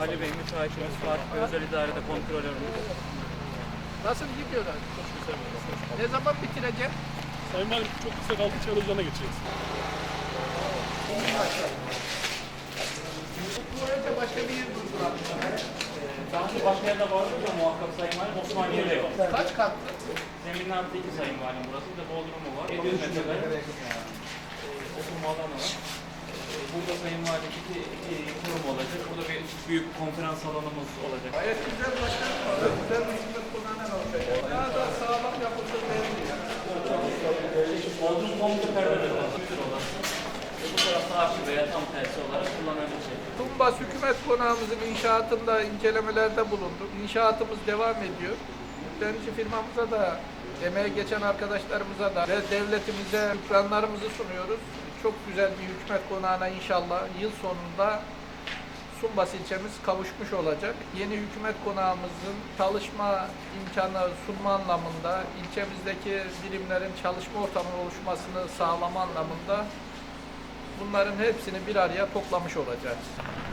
Ali Bey, müteahhitimiz, Fatih Bey, özel idarede kontrolörümüz. Nasıl gidiyorlar? Ne zaman bitirecek? Sayın Valim çok kısa kaldı, çalışana geçeceğiz. Bu önce başka bir yer durduralım. Daha önce başka yerde vardı da muhakkak Sayın Valim, Osmaniye'de yok. Kaç katlı? Zemin altı 2 Sayın Valim, burası bir de Bodrum'u var. 700 metrekare oturma alanı var. Burada Sayın Valim iki kurum olacak. Burada bir büyük konferans salonumuz olacak. Gayet güzel başkanım. Güzel bir hizmet kullanan olacak. Daha da sağlam yapılsın belli ya. Bodrum komple perdede olacak. Müdür odası. Bu tarafta arşiv veya tam tersi olarak kullanabilecek. Tumbas Hükümet Konağımızın inşaatında incelemelerde bulunduk. İnşaatımız devam ediyor. Yüklenici firmamıza da, emeğe geçen arkadaşlarımıza da ve devletimize şükranlarımızı sunuyoruz. Çok güzel bir hükümet konağına inşallah yıl sonunda Sumbas ilçemiz kavuşmuş olacak. Yeni hükümet konağımızın çalışma imkanı sunma anlamında, ilçemizdeki birimlerin çalışma ortamının oluşmasını sağlama anlamında bunların hepsini bir araya toplamış olacağız.